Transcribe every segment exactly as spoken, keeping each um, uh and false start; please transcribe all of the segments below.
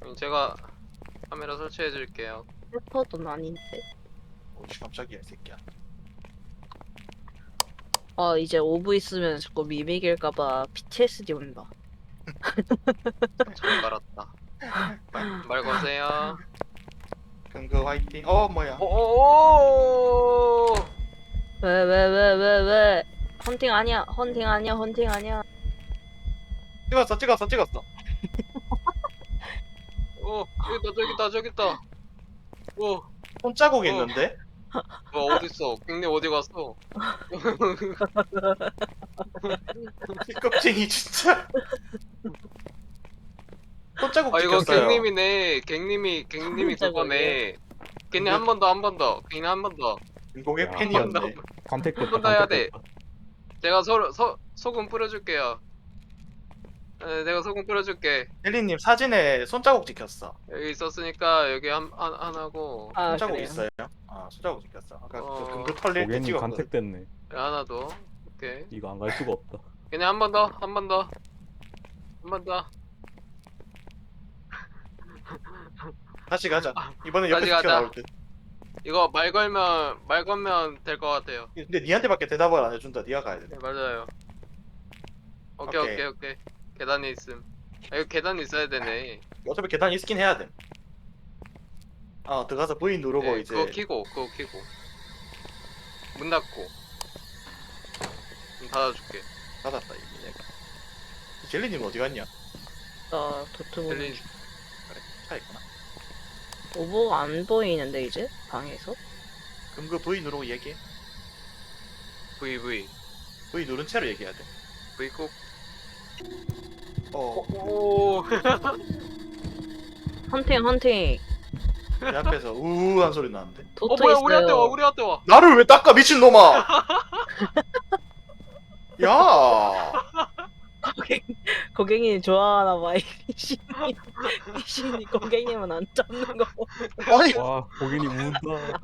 제가 카메라 설치해 줄게요. 래퍼도 아닌데. 오씨 깜짝이야 이 새끼야. 아 이제 오브 있으면 자꾸 미믹일까봐 피티에스디 온다. 잘 깔았다. 말 거세요. 금그 화이팅. 어 뭐야? 오오오. 왜 왜 왜 왜 왜? 헌팅 아니야. 헌팅 아니야. 헌팅 아니야. 찍었어 찍었어 찍었어. 오 저기다 저기다 저기다. 오. 손자국 어. 있는데? 뭐 어딨어? 빅님 어디 갔어? 이 껍쟁이 진짜. 손자국 아 이거 찍혔어요. 갱님이네. 갱님이 갱님이 그거네. 갱님 한 번 더 한 번 더. 갱님 한 번 더. 인공의 야. 팬이었네. 간택됐다. 한번더 해야 돼. 간택됐다. 제가 소, 소, 소금 뿌려줄게요. 네, 내가 소금 뿌려줄게. 헬리님 사진에 손자국 찍혔어. 여기 있었으니까 여기 한, 한, 하나고 아 손자국 그래요. 있어요? 아 손자국 찍혔어. 아까 어. 그 금그 털릴 때 고객님 찍었거든. 간택됐네. 여기 하나 더. 오케이. 이거 안 갈 수가 없다. 그냥 한 번 더, 한 번 더, 한 번 더. 다시 가자. 아, 이번엔 다시 옆에서 가자. 튀어나올 듯. 이거 말 걸면 말 걸면 될 것 같아요. 근데 니한테밖에 대답을 안 해준다. 니가 가야 돼. 네 맞아요. 오케이 오케이. 오케이 오케이. 계단이 있음. 아, 이거 계단 있어야 되네. 어차피 계단 있긴 해야 돼. 어 들어가서 V 누르고 네, 이제 그거 키고 그거 키고 문 닫고 문 닫아줄게. 닫았다 이미 내가. 젤리님 어디 갔냐? 나 도트 보는 젤리 중. 그래 차 있구나. 오버가 안 보이는데 이제 방에서? 그럼 그 V 누르고 얘기해. V V V 누른 채로 얘기해야 돼. V 꼭. 어, 오. 헌팅 헌팅. 내 앞에서 우우한 소리 나는데. 도트 어 뭐야 있어요. 우리한테 와 우리한테 와. 나를 왜 닦아 미친놈아! 야! 고객 고객님 좋아하나 봐. 이 신이 이 신이 고객님은 안 잡는 거. 아니, 와, 고객님 운다.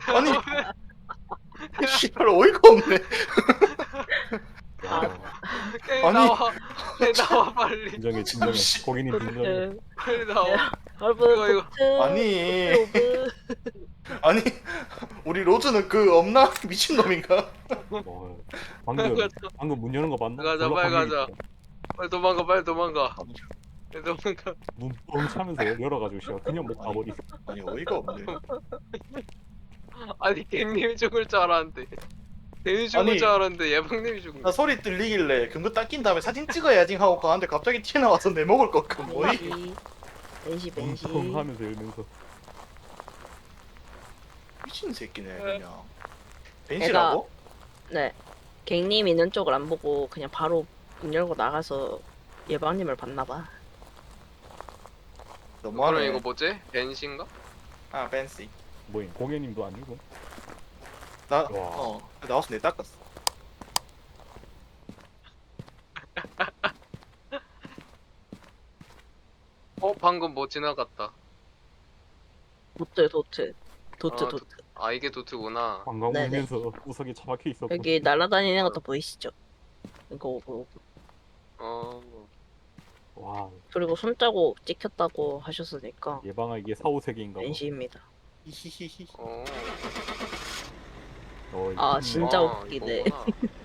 아니, 씨발 어이가 없네. 야, 게임 아니. 나와. 게임 나와 빨리. 진정해, 진정해. 씨. 고객님 진정해. 도트. 빨리 나와. 여러분 이거, 이거. 도트. 아니, 오브. 아니, 우리 로즈는 그 없나? 미친놈인가? 어, 방금 방금 문 여는 거 봤나? 가자, 졸라 빨리 방금 가자. 있다. 빨리 도망가 빨리 도망가. 빨리 도망가. 문뻥 차면서 열어가지고 씨발 그냥 못 가버리. 아니, 어이가 없네. 아니 갱님이 죽을 줄 알았는데. 갱이 죽을 아니. 줄 알았는데 예방님이 죽은 나 거. 소리 들리길래 금고 닦인 다음에 사진 찍어야지 하고 가는데 갑자기 튀어나와서 내 먹을 거 그 뭐이? 벤시 벤시 벤시. 문뻥 하면서 열면서. 미친 새끼네 그냥. 벤시라고? 네. 갱님 있는 쪽을 안 보고 그냥 바로 문 열고 나가서 예방님을 봤나 봐. 그럼 너무하네. 이거 뭐지? 벤신가? 아 벤시. 뭐임? 고객님도 아니고. 나 와. 어 나와서 내 닦았어. 어 방금 뭐 지나갔다. 도트 도트 도트 아, 도트. 아 이게 도트구나. 관광 네네. 울면서 구석에 처박혀 있었고. 여기 날아다니는 것도 보이시죠? 이거 오브. 어. 와, 그리고 손자국 찍혔다고 하셨으니까 예방아 이게 사후세계인가 봐. 벤시입니다. 히히히히. 어. 어, 아, 이거 진짜 아, 웃기네. 이거구나.